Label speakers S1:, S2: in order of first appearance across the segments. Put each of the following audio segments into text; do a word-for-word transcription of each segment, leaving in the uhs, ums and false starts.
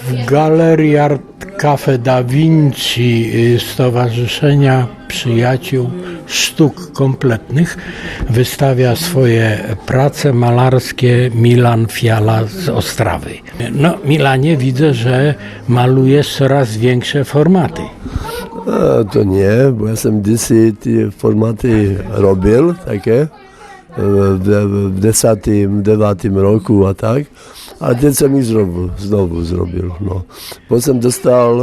S1: W Galerii Art Cafe Da Vinci Stowarzyszenia Przyjaciół Sztuk Kompletnych wystawia swoje prace malarskie Milan Fiala z Ostrawy. No, Milanie, widzę, że malujesz coraz większe formaty.
S2: A, to nie, bo ja sam kdysi ty formaty robil takie w, w desatym, devátym roku a tak, a teď jsem ich zrobił, znowu zrobił. No. Potem dostal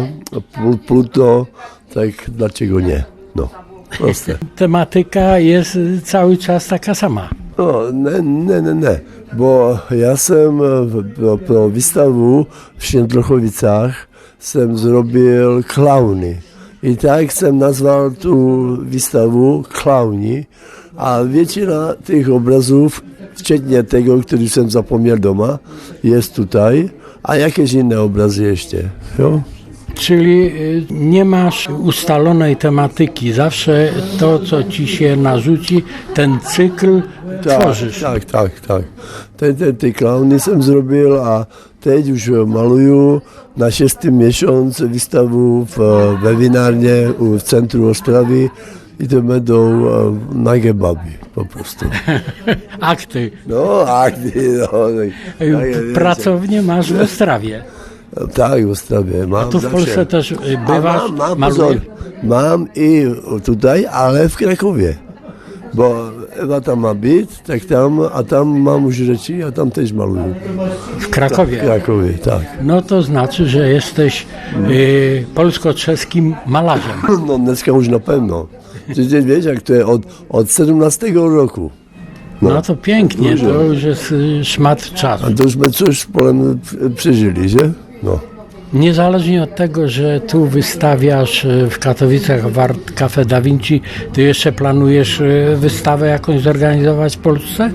S2: uh, Pluto, tak dlaczego nie? No, proste.
S1: Tematyka jest cały czas taka sama.
S2: No, ne, ne, ne, ne, bo ja jsem pro, pro výstavu v Świętochowicach jsem zrobil klauny. I tak jsem nazval tu výstavu Klauni. A většina těch obrazů, včetně tego, který jsem zapomněl doma, jest tutaj. A jakieś inne obrazy jeszcze, jo?
S1: Czyli nie masz ustalonej tematyki, zawsze to, co ci się narzuci, ten cykl
S2: Tak,
S1: tworzysz.
S2: tak, tak, tak. Te, te, te klauny jsem zrobil a teď už maluju na šestý miesiąc výstavu v, ve vinárně v centru Ostravy. I to będą nagie baby, po prostu.
S1: Akty.
S2: No, akty, no. Tak,
S1: Pracownię masz w Ostrawie.
S2: Tak, w Ostrawie. Mam
S1: A tu w
S2: zawsze.
S1: Polsce też bywasz,
S2: A mam, mam,
S1: malujesz?
S2: pozor, mam i tutaj, ale w Krakowie. Bo Ewa tam ma być, tak tam, a tam mam już rzeczy, a tam też maluję.
S1: W Krakowie.
S2: W Krakowie, tak.
S1: No to znaczy, że jesteś y, polsko-czeskim malarzem.
S2: No dneska już na pewno. Przecież wiesz, jak to jest od, od siedemnastego roku.
S1: No, no to pięknie, to już jest y, szmat czasu.
S2: A to już my coś z Polem przeżyli, że? No.
S1: Niezależnie od tego, że tu wystawiasz w Katowicach w Art Cafe Da Vinci, ty jeszcze planujesz wystawę jakąś zorganizować w Polsce?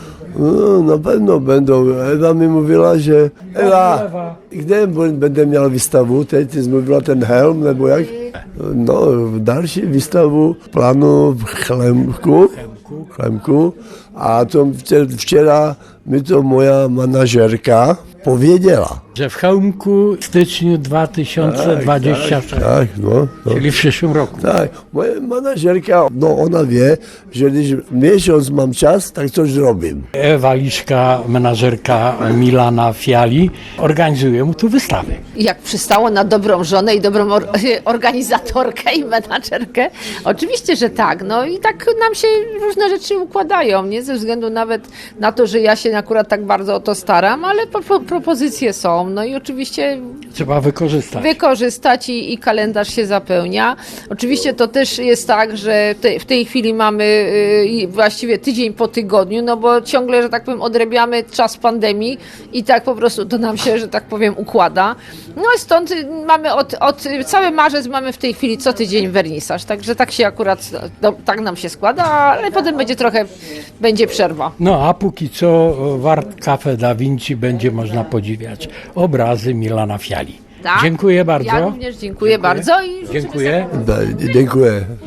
S2: No, na pewno będą. Ewa mi mówiła, że Ewa, gdzie będę miał wystawę? Teď mówiła ten helm, nebo jak? No, w dalszej wystawu planu w Chlemku, Chlemku, a to wczoraj mi to moja manażerka powiedziała.
S1: Że w Chełmku w styczniu dwa tysiące dwudziestego trzeciego,
S2: Tak, tak, no, no.
S1: czyli w przyszłym roku.
S2: Tak, moja manażerka, no ona wie, że jeśli miesiąc mam czas, tak coś zrobię.
S1: Ewa Liszka, menażerka Milana Fiali, organizuje mu tu wystawę.
S3: Jak przystało na dobrą żonę i dobrą or- organizatorkę i menadżerkę? Oczywiście, że tak. No i tak nam się różne rzeczy układają, nie ze względu nawet na to, że ja się akurat tak bardzo o to staram, ale po- po- propozycje są. No i oczywiście
S1: Trzeba wykorzystać.
S3: wykorzystać i, i kalendarz się zapełnia. Oczywiście to też jest tak, że te, w tej chwili mamy y, właściwie tydzień po tygodniu, no bo ciągle, że tak powiem, odrabiamy czas pandemii i tak po prostu to nam się, że tak powiem, układa. No i stąd mamy od, od cały marzec mamy w tej chwili co tydzień wernisaż, także tak się akurat, no, tak nam się składa, ale potem będzie trochę, będzie przerwa.
S1: No a póki co w Art Cafe Da Vinci będzie można podziwiać obrazy Milana Fiali.
S3: Tak?
S1: Dziękuję bardzo.
S3: Ja również dziękuję, bardzo i
S1: Dziękuję.
S2: Da, dziękuję.